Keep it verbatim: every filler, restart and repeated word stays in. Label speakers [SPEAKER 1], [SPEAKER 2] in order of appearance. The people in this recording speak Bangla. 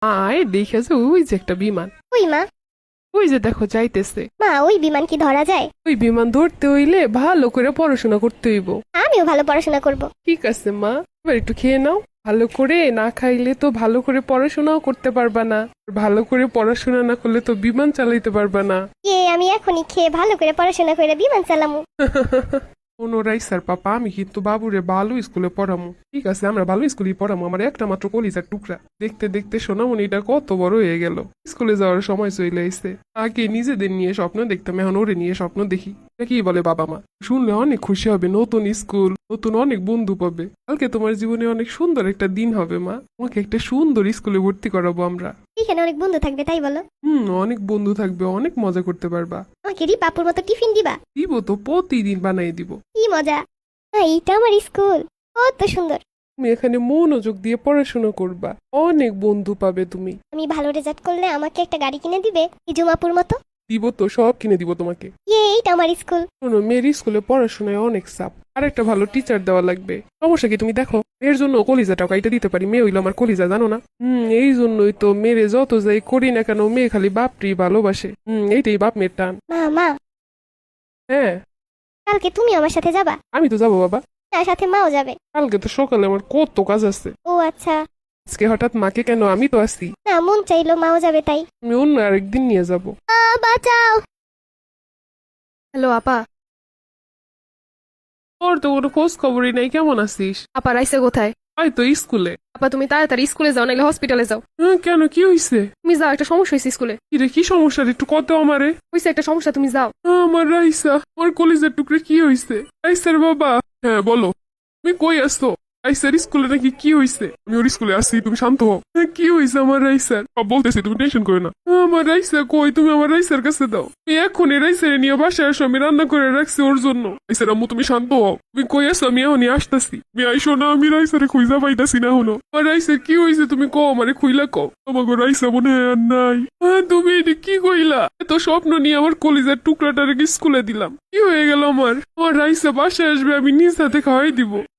[SPEAKER 1] আয় দেখেছো ওই যে একটা বিমান,
[SPEAKER 2] ওই মা,
[SPEAKER 1] ওই যে দেখো যাইতেছে।
[SPEAKER 2] মা ওই বিমান কি ধরা যায়?
[SPEAKER 1] ওই বিমান ধরতে হইলে ভালো করে পড়াশোনা করতে হইব।
[SPEAKER 2] আমিও ভালো পড়াশোনা করব।
[SPEAKER 1] ঠিক আছে মা, এবার একটু খেয়ে নাও। ভালো করে না খাইলে তো ভালো করে পড়াশোনাও করতে পারবা না, ভালো করে পড়াশোনা না করলে তো বিমান চালাইতে পারবা না।
[SPEAKER 2] কে আমি এখনই খেয়ে ভালো করে পড়াশোনা করে বিমান চালামু।
[SPEAKER 1] ওনোরাই স্যার পাপা, আমি কিন্তু বাবুরে ভালো স্কুলে পড়ামু। ঠিক আছে, আমরা ভালো স্কুলেই পড়ামু। আমার একটা মাত্র কলিজার টুকরা। দেখতে দেখতে সোনামণিটা কত বড় হয়ে গেল, স্কুলে যাওয়ার সময় চলে আইছে। আগে নিজেদের নিয়ে স্বপ্ন দেখতাম, এখন ওরে নিয়ে স্বপ্ন দেখি। কি বলে বাবা মা, শুনলে অনেক খুশি হবে। নতুন স্কুল, নতুন অনেক বন্ধু পাবে। কালকে তোমার জীবনে অনেক সুন্দর একটা দিন হবে মা। তোমাকে একটা সুন্দর স্কুলে ভর্তি করাবো আমরা।
[SPEAKER 2] এখানে অনেক বন্ধু থাকবে তাই বলো?
[SPEAKER 1] হুম, অনেক বন্ধু থাকবে, অনেক মজা করতে পারবা।
[SPEAKER 2] আমাকে রিপাপুর মতো টিফিন দিবা?
[SPEAKER 1] দিব তো, প্রতিদিন বানাই দিব।
[SPEAKER 2] কি মজা! হ্যাঁ, এইটা আমার স্কুল, কত সুন্দর।
[SPEAKER 1] তুমি এখানে মনোযোগ দিয়ে পড়াশোনা করবা, অনেক বন্ধু পাবে তুমি।
[SPEAKER 2] আমি ভালো রেজাল্ট করলে আমাকে একটা গাড়ি কিনে দিবে, এই জুমাপুর মতো?
[SPEAKER 1] দিব তো, সব কিনে দিব তোমাকে।
[SPEAKER 2] ইয়ে, এইটা আমার স্কুল।
[SPEAKER 1] শোনো, মেয়ের স্কুলে পড়াশোনায় অনেক চাপ, আর একটা ভালো টিচার দেওয়া লাগবে। সমস্যা কি তুমি দেখো, মেয়ের জন্য কলিজাটাও কাইটা দিতে পারি। মেয়ে হইলো আমার কলিজা, জানো না? হুম, এই জন্যই তো মেয়েরে যত যাই করি না কেন, মেয়ে খালি বাপটি ভালোবাসে। হুম, এইটাই বাপ মেয়ের টান।
[SPEAKER 2] মা মা,
[SPEAKER 1] হ্যাঁ,
[SPEAKER 2] কালকে তুমি আমার সাথে যাবা?
[SPEAKER 1] আমি তো যাবো বাবা।
[SPEAKER 2] তার সাথে মাও যাবে?
[SPEAKER 1] কালকে তো সকালে আমার কত কাজ আছে।
[SPEAKER 2] ও আচ্ছা।
[SPEAKER 1] আজকে হঠাৎ মাকে কেন, আমি তো আছি।
[SPEAKER 2] না, মন চাইলো মাও যাবে তাই।
[SPEAKER 1] আমি অন্য আরেকদিন নিয়ে যাব।
[SPEAKER 2] আ, বাঁচাও!
[SPEAKER 3] হ্যালো আপা।
[SPEAKER 1] তোর তো কোনো খোঁজ খবরই নাই, কেমন আছিস?
[SPEAKER 3] আপা রাইসে কোথায়?
[SPEAKER 1] আয় তো স্কুলে।
[SPEAKER 3] আপা তুমি তাড়াতাড়ি স্কুলে যাও, নাইলে হসপিটালে যাও।
[SPEAKER 1] হ্যাঁ, কেন, কি হয়েছে?
[SPEAKER 3] তুমি যাও, একটা সমস্যা হয়েছে স্কুলে।
[SPEAKER 1] কিরে, কি সমস্যা রে? একটু কত আমারে।
[SPEAKER 3] হয়েছে একটা সমস্যা, তুমি যাও।
[SPEAKER 1] আমার রাইসা, আমার কলিজার টুকরে, কি হয়েছে? রাইসার বাবা। হ্যাঁ বলো, তুমি কই আসছো? রাইসার স্কুলে নাকি কি হয়েছে? আমি ওর স্কুলে আসছি, তুমি শান্ত হও। হ্যাঁ, কি হয়েছে আমার রাইসার? সব বলতেছি, তুমি টেনশন করো না। আমার রাইসা কই? তুমি আমার রাইসার কাছে দাও। তুমি এখনই রাইসারে নিয়ে বাসায় আসো, আমি রান্না করে রাখছি ওর জন্য। রাইসার আম্মু, তুমি শান্ত হও। তুমি কই আসো? আমি এখনই আসতেছি। তুমি আইসো না, আমি রাইসারে খুঁজা পাইতাছি না হলো। আমার রাইসার কি হয়েছে তুমি কও, আমারে খুইলা কও। তোমাকে রাইসা মনে হয় আর নাই। হ্যাঁ, তুমি এটি কি কইলা? এত স্বপ্ন নিয়ে আমার কলিজার টুকরাটারে স্কুলে দিলাম, কি হয়ে গেল আমার? আমার রাইসা বাসায় আসবে, আমি নিজ হাতে খাওয়াই দিব।